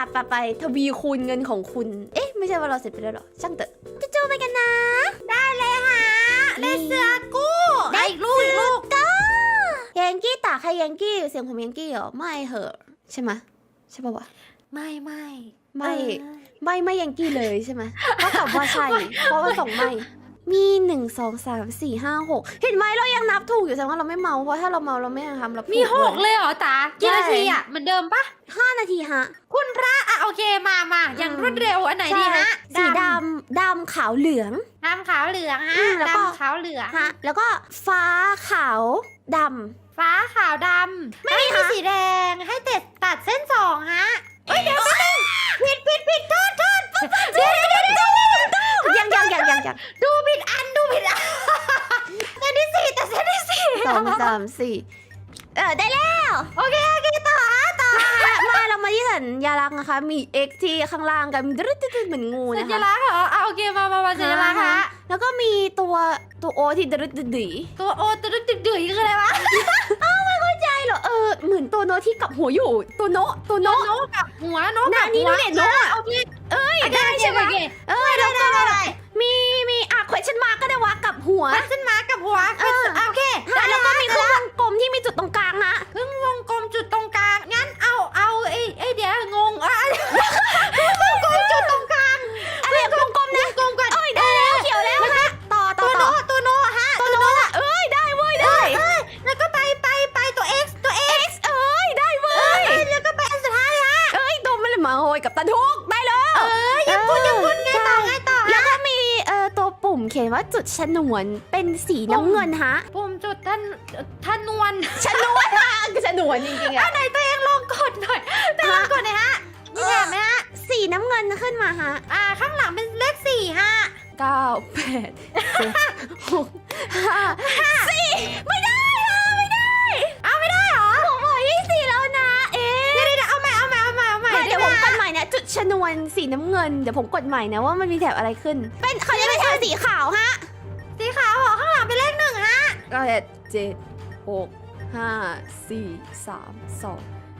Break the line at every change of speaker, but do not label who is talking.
ไปทวีคูณเงินของคุณเอ๊ะไม่ใช่ว่าเราเสร็จไปแล้วหรอช่างเถอะจูๆไปกันนะ
ได้เลยฮะได้เสือกู้ได้อีกลูก
ก็ยังกี้ตาใครยังกี้เสียงผมยังกี้เหรอไม่เหอะใช่ไหมใช่ป่าวะ
ไม่
ไม่ยังกี้เลยใช่ไหมก็ตอบว่าใช่เพราะว่าส่งไม่มี1 2 3 4 5 6เห็นไหมเรายังนับถูกอยู่แสดงว่าเราไม่เมาเพราะถ้าเราเมาเราไม่ทำเรา
มี
ถู
6เลยเหรอตากี่นาทีอ่ะเหมือนเดิมปะ
5 นาทีฮะ
คุณพระอ่ะโอเคมาอย่างรวดเร็วอันไหนดีฮะ
สีดำขาวเหลือง
ดำขาวเหลืองฮะ
แล้วก็
ดำขาวเหลือง
ฮะแล้วก็ฟ้าขาวด
ฟ้าขาวดำไม่มีสีแดงให้ตัดเส้น2ฮะเอ้ยเดี๋ยวผิดโทษเดี๋ยว
ำยัง
ดูผิดอันเส้นที่4แต่เส้นที่4
2 3 4ได้แล้ว
โอเคต่อ
มาเรามาที่สัญลักษณ์นะคะมี X ที่ข้างล่างกันดึ๊ดเหมือนงู
สั
นะ
ญ
คะ
ลักษณ์เหรอโอเคมาสัญลักษณ์ฮะ
แล้วก็มีตัวโอที่ดึ๊ดดี
ตัวโอตัวดึกคืออะไรวะ
ใช่เหรอเหมือนตัวโนที่กับหัวอยู่ตัวโน
นกกับหัวนกกับ
นี่
หัว
ดูเด็ดโนอ่ะ
โอเค
ได้ใช่ไหม แล้วก็
ได้
มีquestion mark ก็ได้วะกับหัว
ขึ้นมากับหัวโอเค
แล้วก็มีเครื่องวงกลมที่มีจุดตรงกลางนะ
ครึ่งวงกลมจุดตรงกลางงั้นเอาไอเดี๋ยวงงวงกลมจุดตรงกลาง
อะไรวงกลมนะ
กลมก่อน
ได้แล้วเขียวแล้วฮะต่อ
ตัวโนฮะ
ตัวโนอ่ะได้เว้ยได้
แล้วก็ไปตัว X
ได้เว้ย
แล้วก็ไปอันสุดท้ายฮะ
ตัวมันเลยมาโหยกับตาทุกได้แล้ว
ยังพูดไงต่อ
แล้วก็มีตัวปุ่มเขียนว่าจุดชนวนเป็นสีน้ำเงินฮะ
ปุ่มจุดท่านนวล
ชนวนฮะชนวนจริงๆอะ
ไหนตัวเองลองกดหน่อยลองกดหน่อยฮะนี่เห็นไหมฮะ
สีน้ำเงินขึ้นมาฮะ
ข้างหลังเป็นเลข4ฮะ
9 8 7 6 5 4ไม่ได้ไม่ได้
ไม่ได้เหรอ
ผมบอก24แล้วนะ
เดี๋ยวเอาใหม่
เดี๋ยวผมกดใหม่นะจุดชนวนสีน้ำเงินเดี๋ยวผมกดใหม่นะว่ามันมีแถบอะไรขึ้นเป็นเขาจะเป็นแถบสีขาวฮะ
สีขาวเหรอข้างหลังเป็นเลข1ฮะ
8 7 6 5 4 3 2